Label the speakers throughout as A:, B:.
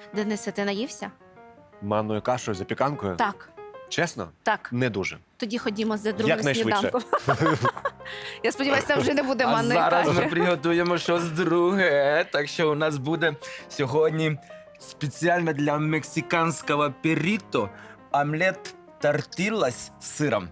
A: Денисе, ти наївся?
B: Манною кашею, запіканкою?
A: Так,
B: Чесно?
A: так.
B: Не дуже.
A: Тоді ходімо за другим
B: Якнайшвидше.
A: сніданком. Я сподіваюся, там вже не буде
C: А
A: манної
C: зараз ми
A: каші.
C: приготуємо щось друге. Так що у нас буде сьогодні спеціально для мексиканського періто омлет тортилlas з сиром.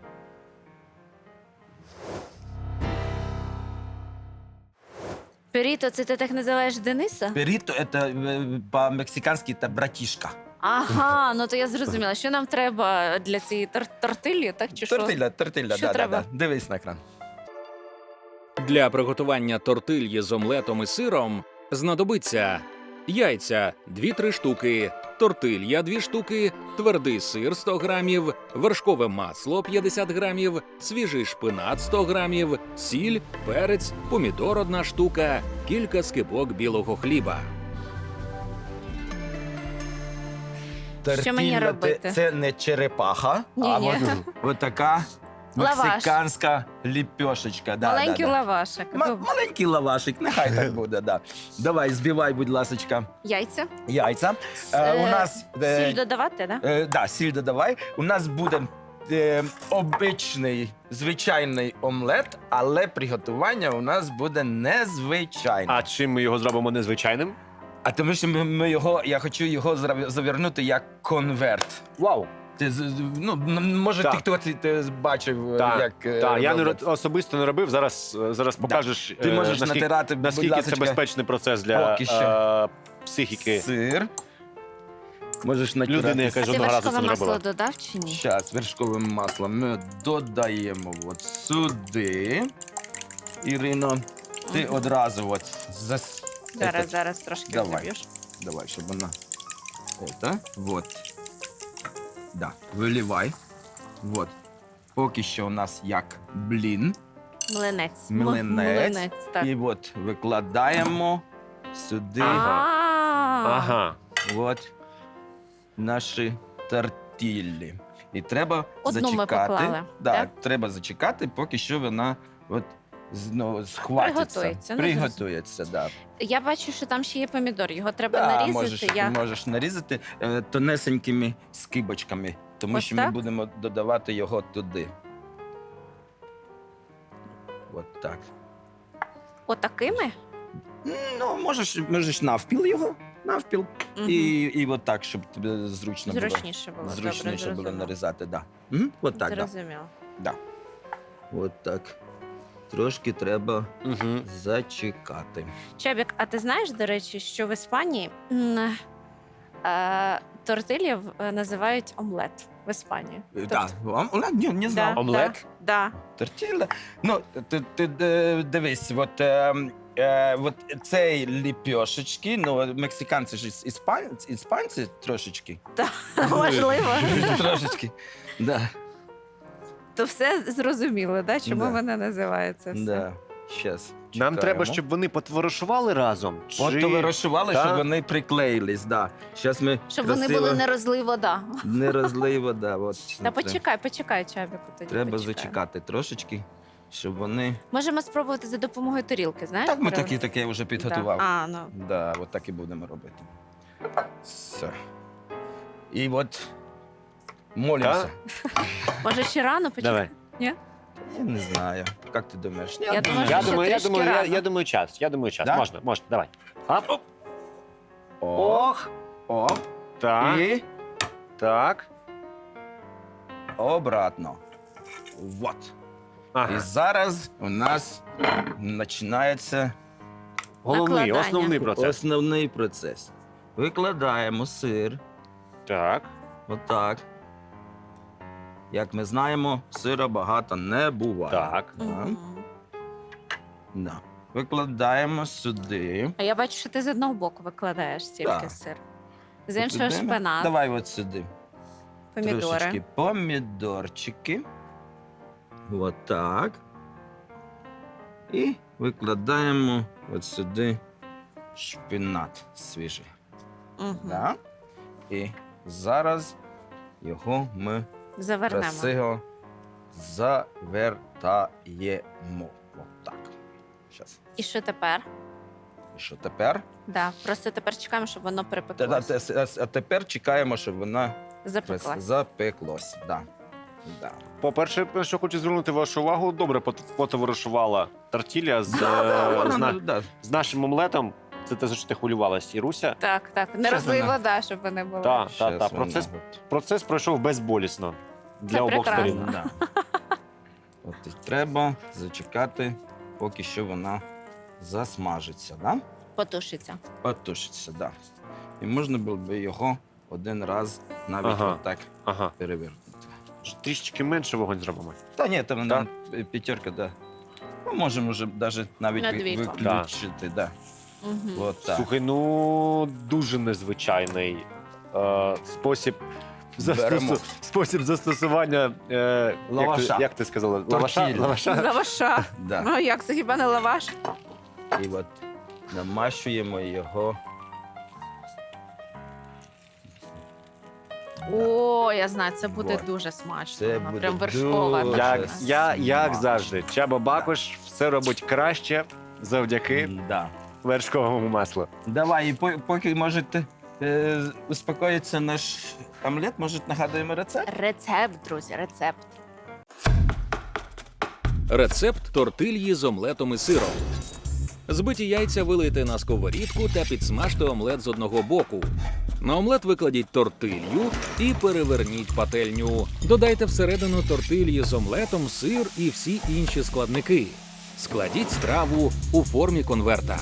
A: Періто, це ти так називаєш Дениса?
C: Періто – це по-мексиканськи це братішка.
A: Ага, ну то я зрозуміла. Що нам треба для цієї тортилі, так чи що?
C: Тортилля,
A: Що
C: да.
A: треба?
C: Дивись на екран.
D: Для приготування тортильї з омлетом і сиром знадобиться яйця 2-3 штуки, тортилья 2 штуки, твердий сир 100 грамів, вершкове масло 50 грамів, свіжий шпинат 100 грамів, сіль, перець, помідор 1 штука, кілька скибок білого хліба.
A: Що мені
C: Тортилля
A: робити?
C: це не черепаха,
A: Ні,
C: а
A: ні.
C: от така
A: Лаваш.
C: мексиканська ліпешечка.
A: Маленький лавашик.
C: Маленький лавашик, нехай так буде, да. Давай, збивай, будь ласочка,
A: Яйця.
C: яйця. У нас
A: Сіль додавати, так?
C: да, сіль додавай. У нас буде обичний, звичайний омлет, але приготування у нас буде незвичайне.
B: А чим ми його зробимо незвичайним?
C: А тому що я хочу його завернути як конверт.
B: Вау!
C: Ну, може,
B: Так.
C: ти хто ти бачив,
B: Так,
C: як
B: так, я
C: роблять.
B: особисто не робив. Зараз покажеш,
C: Ти можеш натирати, будь
B: наскільки це
C: ласочка,
B: безпечний процес для
C: поки що.
B: психіки
C: сир. Можеш натирати.
B: людини, яка
A: А ти
B: жодного разу це
A: вершкове
B: не
A: масло
B: робила.
A: додав чи ні?
C: Зараз вершкове масло ми додаємо от сюди. Ірино, ти
A: Мгм.
C: одразу от
A: Зараз трошки
C: Давай.
A: доб'єш.
C: Давай, щоб вона. Это, вот. Да, виливай. Вот. Поки що у нас як блін.
A: Млинець.
C: Млинець.
A: так.
C: І от викладаємо сюди
B: Ага.
C: от наші тортіллі. І треба
A: Одну ми
C: зачекати.
A: поклали,
C: Да,
A: так?
C: треба зачекати, поки що вона от, схватиться.
A: Приготується, ну,
C: Приготується, да.
A: Я бачу, що там ще є помідор. Його треба
C: Да,
A: нарізати.
C: можеш нарізати тонесенькими скибочками, тому
A: Ось
C: що ми
A: так?
C: будемо додавати його туди. От так.
A: Отакими?
C: Ну, можеш навпіл його, навпіл.
A: Мгм.
C: І от так, щоб тобі зручно було.
A: Зручніше було.
C: Зручніше
A: Добре,
C: було
A: зрозуміло.
C: нарізати, да. От так, да.
A: Зрозуміло.
C: Да. От так. Трошки треба
B: Угу.
C: зачекати.
A: Чабік, а ти знаєш, до речі, що в Іспанії тортилів називають омлет в Іспанії?
C: Так, не знав.
A: Да,
B: Омлет?
A: Да.
C: Тортілля. Ну, ти дивись, от цей ліпешечки, ну, мексиканці ж іспанці трошечки.
A: Можливо.
C: Трошечки. Да,
A: То все зрозуміло, да? Чому
C: Да.
A: вона називається все?
C: да. Щас.
B: Нам треба, щоб вони потворушували разом.
C: От
B: чи-
C: то ви розшивали,
B: Так.
C: щоб вони приклеїлись, да. Щас ми
A: Щоб
C: красиво...
A: вони були не розлий вода.
C: Не розлий вода. От.
A: Та почекай, Чабіку, тоді
C: Треба
A: почекай.
C: зачекати трошечки, щоб вони...
A: Можемо спробувати за допомогою тарілки, знаєш?
C: Так, ми
A: перевернути?
C: таке вже підготував.
A: Да. А, ну.
C: Да, от так і будемо робити. Все. І от молимося.
A: Може, ще рано почекати?
B: Давай.
A: Ні?
C: Я не знаю. Як ти думаєш?
A: Я думаю,
B: Я
A: що
B: думаю,
A: трішки рано.
B: я думаю, час. Я думаю, час.
C: Да?
B: Можна. Давай. Оп.
C: Ох. О.
B: Так.
C: І
B: Так.
C: обратно. Вот. І
B: Ага.
C: зараз у нас починається
A: Накладання.
B: Основний процес.
C: основний процес. Викладаємо сир.
B: Так.
C: Отак. Як ми знаємо, сира багато не буває.
B: Так.
A: Мгм.
C: Да. Викладаємо сюди.
A: А я бачу, що ти з одного боку викладаєш тільки
C: Так.
A: сир. З іншого
C: Викладаємо.
A: шпинат,
C: Давай от сюди.
A: помідори.
C: Трошечки помідорчики. Отак. І викладаємо от сюди шпинат свіжий.
A: Мгм.
C: Да? І зараз його ми
A: Завернемо.
C: красиво завертаємо. Отак. Щас.
A: І що тепер?
C: І що тепер?
A: Да. Просто тепер чекаємо, щоб воно перепеклося.
C: А тепер чекаємо, щоб вона
A: Запеклося.
C: запеклось. Да. Да.
B: По-перше, що хочу звернути вашу увагу, добре потоваришувала тортілля
C: Да.
B: з нашим омлетом. Це те, за що ти хвилювалась, Іруся.
A: Так. Не
C: Щас
A: розлий
C: вона-
A: вода, щоб вони були.
B: Так.
C: Щас
B: Процес,
C: вона от-
B: процес пройшов безболісно для
A: Це
B: обох
A: прекрасно.
B: сторін.
C: Да. От і треба зачекати, поки що вона засмажиться, да?
A: Потушиться.
C: Потушиться, да. І можна було б його один раз навіть
B: Ага.
C: отак
B: Ага.
C: перевернути.
B: Трішечки менше вогонь зробимо.
C: Та ні, там вона п'ятерка, да. Ми можемо вже навіть
A: На двійку.
C: виключити, да.
A: Угу.
C: От так.
B: Слухай, дуже незвичайний спосіб
C: Беремо.
B: спосіб застосування
C: Лаваша.
B: Як ти сказала?
C: Тортілля.
B: Лаваша?
A: Лаваша.
C: Да.
A: Ну як це хіба не лаваш?
C: І от намащуємо його.
A: О, я знаю, це буде
C: Вот.
A: дуже смачно.
C: Це
A: Вона
C: буде
A: прям вершкова.
C: дуже
A: така.
B: Як
C: Смак.
B: завжди, Чаба Бакуш все робить краще завдяки
C: Да.
B: вершковому маслу.
C: Давай, і поки можете успокоїться наш омлет, може нагадуємо рецепт?
A: Рецепт, друзі, рецепт.
D: Рецепт тортильї з омлетом і сиром. Збиті яйця вилийте на сковорідку та підсмажте омлет з одного боку. На омлет викладіть тортилью і переверніть пательню. Додайте всередину тортильї з омлетом, сир і всі інші складники. Складіть страву у формі конверта.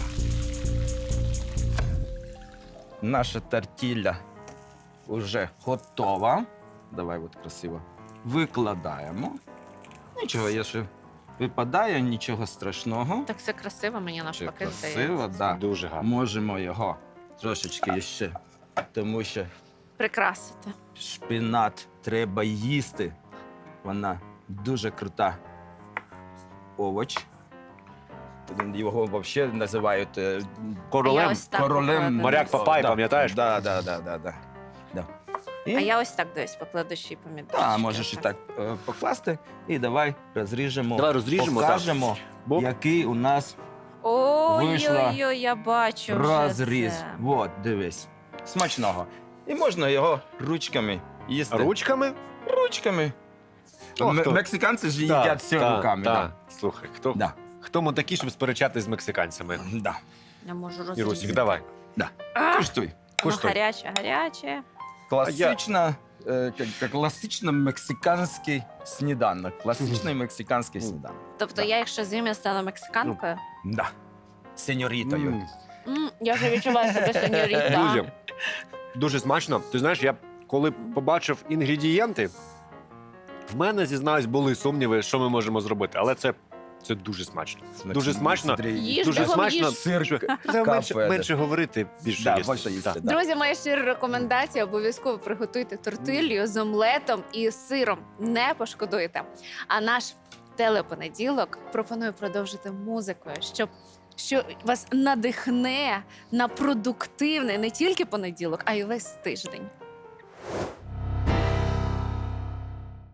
C: Наша тортилля вже готова. Давай от красиво викладаємо. Нічого, якщо випадає, нічого страшного.
A: Так все красиво, мені
C: Ще
A: навпаки
C: красиво,
A: здається.
C: да.
B: Дуже гарно.
C: Можемо його трошечки ще, тому що
A: Прикрасити.
C: шпинат треба їсти. Вона дуже крута овоч. Його взагалі називають
A: Я
B: Королем.
A: ось так
C: королем
A: покладу.
B: Моряк Папай, пам'ятаєш?
C: Да.
A: А я ось так десь покладу ще й помідорчики.
C: Так, можеш і так покласти. І давай розріжемо.
B: Давай розріжемо, так.
C: Покажемо,
B: Бо
C: який у нас вийшла
A: Ой-ой-ой, я бачу
C: розріз.
A: вже це.
C: От, дивись. Смачного. І можна його ручками їсти.
B: ручками?
C: Ручками.
B: О, хто?
C: Мексиканці ж їдять все руками.
B: Да. Слухай,
C: Да.
B: хто ми такі, щоб сперечатись з мексиканцями?
C: Да.
A: Я можу
B: Ірусік,
A: розрізати.
B: давай.
A: А,
C: Куштуй.
A: ну,
B: Куштуй.
A: гаряче.
C: Класично, класично мексиканський сніданок. Класичний мексиканський сніданок.
A: Тобто
C: Да.
A: я, якщо з'їм, я стану мексиканкою?
C: Да. Сеньорітою.
A: Я вже відчуваю себе сеньоріта.
B: Друзі, дуже смачно. Ти знаєш, я коли побачив інгредієнти, в мене, зізнаюсь, були сумніви, що ми можемо зробити. Але це дуже смачно. Дуже смачно.
A: Їж,
B: Дуже
A: бігом
B: смачно.
A: їж.
C: Сир
B: Треба
C: капає.
B: менше говорити, більше
C: Да,
B: їсти.
C: більше їсти,
B: Так.
C: да.
A: Друзі, моя щира рекомендація: обов'язково приготуйте тортилью з омлетом і сиром. Не пошкодуєте. А наш телепонеділок пропоную продовжити музикою, що вас надихне на продуктивний не тільки понеділок, а й весь тиждень.